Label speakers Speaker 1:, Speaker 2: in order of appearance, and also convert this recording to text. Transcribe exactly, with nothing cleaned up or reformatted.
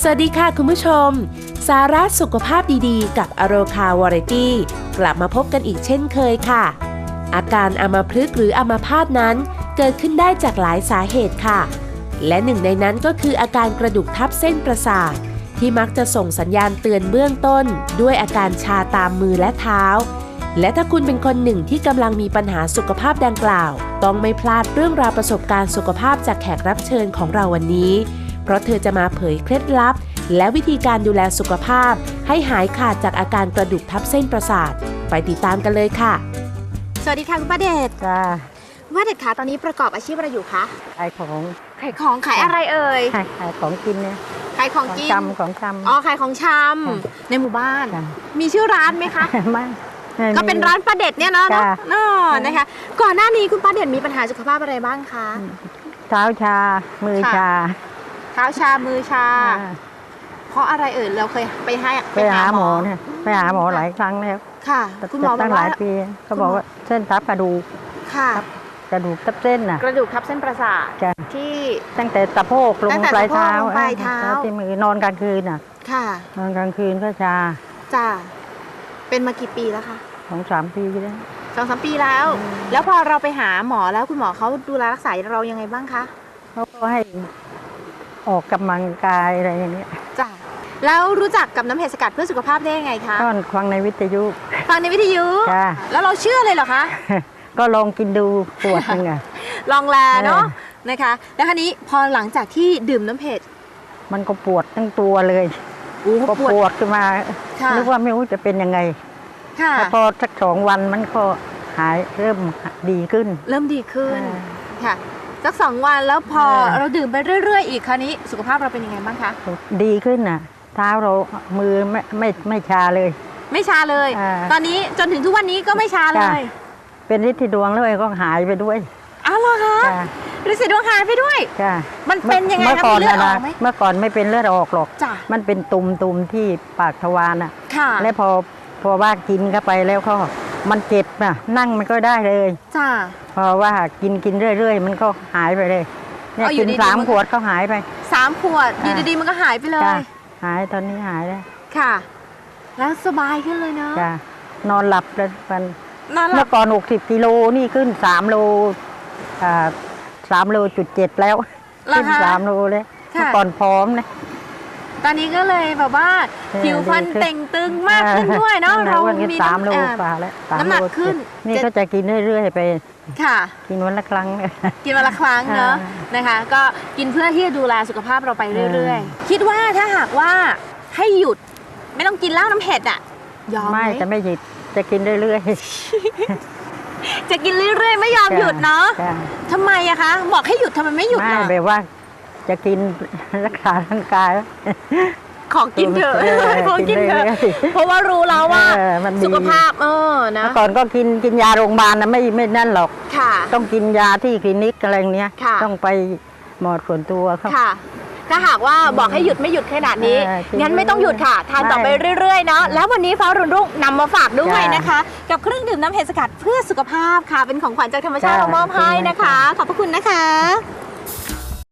Speaker 1: สวัสดีค่ะคุณผู้ชมสาระสุขภาพดีๆกับอโรคาวาไรตี้กลับมาพบกันอีกเช่นเคยค่ะอาการอัมพฤกษ์หรืออัมพาตนั้นเกิดขึ้นได้จากหลายสาเหตุค่ะและหนึ่งในนั้นก็คืออาการกระดูกทับเส้นประสาทที่มักจะส่งสัญญาณเตือนเบื้องต้นด้วยอาการชาตามมือและเท้าและถ้าคุณเป็นคนหนึ่งที่กำลังมีปัญหาสุขภาพดังกล่าวต้องไม่พลาดเรื่องราวประสบการณ์สุขภาพจากแขกรับเชิญของเราวันนี้เพราะเธอจะมาเผยเคล็ดลับและวิธีการดูแลสุขภาพให้หายขาดจากอาการกระดูกทับเส้นประสาทไปติดตามกันเลยค่ะ
Speaker 2: สวัสดีค่ะคุณป้าเดช
Speaker 3: จ้า
Speaker 2: ป้าเดชคะตอนนี้ประกอบอาชีพอะไรอยู่คะ
Speaker 3: ขายของ
Speaker 2: ขายของขายอะไรเอ่ย
Speaker 3: ขายขายของกินเนี่ย
Speaker 2: ขายของกิน
Speaker 3: จำของจำ
Speaker 2: อ๋อขายของชำในหมู่บ้านมีชื่อร้านไหมคะ
Speaker 3: ไม่
Speaker 2: ก็เป็นร้านป้าเดชเนี่ยเนาะเนาะนะคะก่อนหน้านี้คุณป้าเดชมีปัญหาสุขภาพอะไรบ้างคะ
Speaker 3: เท้าชามือชา
Speaker 2: เท้าชามือชาเพราะอะไรเอ่ยเราเคยไปให้
Speaker 3: ไปหาหมอเนี่ยไปหาหมอหลายครั้งแล้ว
Speaker 2: ค่ะคุณหมอบอกว่า
Speaker 3: หลายปีเขาบอกว่าเส้นทับกระดูก
Speaker 2: ค่ะ
Speaker 3: กระดูกทับเส้นน่ะ
Speaker 2: กระดูกทับเส้นประสาทที่
Speaker 3: ตั้งแต่สะโพกลงปลายเท้า
Speaker 2: ปลายเท้า
Speaker 3: ที่มือนอนกลางคืนน่ะ
Speaker 2: ค่ะ
Speaker 3: นอนกลางคืนก็ชา
Speaker 2: จ้าเป็นมากี่ปีแล้วคะ
Speaker 3: สองสามปีแล้ว
Speaker 2: สองสามปีแล้วแล้วพอเราไปหาหมอแล้วคุณหมอเขาดูแลรักษาเรายังไงบ้างคะ
Speaker 3: เขาก็ให้ออกกำลังกายอะไรอย่างเงี้ย
Speaker 2: จ้ะแล้วรู้จักกับน้ำเห็ดสกัดเพื่อสุขภาพได้ยังไงคะ
Speaker 3: ก็ฟังในวิทยุ
Speaker 2: ฟังในวิทยุแล้วเราเชื่อเลยเหรอคะ
Speaker 3: ก็ลองกินดูปวดยังไง
Speaker 2: ลองแลเนาะนะคะแล้วคราวนี้พอหลังจากที่ดื่มน้ำเห็ด
Speaker 3: มันก็ปวดทั้งตัวเลยก็ปวดขึ้นมานึกว่าไม่รู้จะเป็นยังไงแล้วพอสักสองวันมันก็หายเริ่มดีขึ้น
Speaker 2: เริ่มดีขึ้นค่ะสักสองวันแล้วพอเราดื่มไปเรื่อยๆอีกคราวนี้สุขภาพเราเป็นยังไงบ้างคะ
Speaker 3: ดีขึ้นน่ะเท้าเรามือไม่ไม่ไม่ชาเลย
Speaker 2: ไม่ชาเลยตอนนี้จนถึงทุกวันนี้ก็ไม่ชาเลย
Speaker 3: เป็นฤทธิ์ดวงเลยก็หายไปด้วย
Speaker 2: อ้าวเหรอคะฤทธิ์ดวงหายไปด้วยมันเป็นยังไงครับเลือดออกไหม
Speaker 3: เมื่อก่อนไม่เป็นเลือดออกหรอกมันเป็นตุ่มตุ่มที่ปากทวารน่ะแล้วพอพอว่ากินเข้าไปแล้วก็มันเจ็บน่ะนั่งมันก็ได้เลย
Speaker 2: จ้า
Speaker 3: เพราะว่ากินกินเรื่อยๆมันก็หายไปเลยเนี่ยกินสามขวดก็หายไป
Speaker 2: สามขวดดีๆมันก็หายไปเลย
Speaker 3: หายตอนนี้หายแล้ว
Speaker 2: ค่ะแล้วสบายขึ้นเลยเนาะ
Speaker 3: จ้านอนหลับแล้วมันเมื่อก่อนหกสิบกิโลนี่ขึ้นสามโลอ่าสามโลจุดเจ็ดแล้วขึ้นสามโลเลยเมื่อก่อนพร้อมนะ
Speaker 2: ตอนนี้ก็เลยแบบว่าผิวพรรณเต่งตึงมากขึ้นด้วยเนาะเรา
Speaker 3: มีสามโลกว่าแล้ว
Speaker 2: น้ำหนักขึ้น
Speaker 3: นี่ก็จะกินเรื่อยๆไป
Speaker 2: ค่ะ
Speaker 3: กินวันละครั้ง
Speaker 2: กินวันละครั้งเนาะนะคะก็กินเพื่อที่จะดูแลสุขภาพเราไปเรื่อยๆคิดว่าถ้าหากว่าให้หยุดไม่ต้องกินเหล้าน้ำเห็ดอ่ะยอมไหม
Speaker 3: ไม่จะไม่หยุดจะกินเรื่อย
Speaker 2: ๆจะกินเรื่อยๆไม่ยอมหยุดเนาะทำไมอะคะบอกให้หยุดทำไมไม่หยุด
Speaker 3: ล่ะไม่แบบว่าจะกินรักษาร่างกาย
Speaker 2: ของกินเถอะของกินเถอะเพราะว่ารู้แล้วว่าสุขภาพเออนะ
Speaker 3: เมื่อก่อนก็กินกินยาโรงพยาบาลนะไม่ไม่นั่นหรอกต้องกินยาที่คลินิกอะไรเนี้ยต้องไปหมอส่วนตัวครับ
Speaker 2: ถ้าหากว่าบอกให้หยุดไม่หยุดขนาดนี้งั้นไม่ต้องหยุดค่ะทานต่อไปเรื่อยๆเนาะแล้ววันนี้ฟ้ารุ่นรุ่งนำมาฝากด้วยนะคะกับเครื่องดื่มน้ำเห็ดสกัดเพื่อสุขภาพค่ะเป็นของขวัญจากธรรมชาติเรามอบให้นะคะขอบพระคุณนะคะ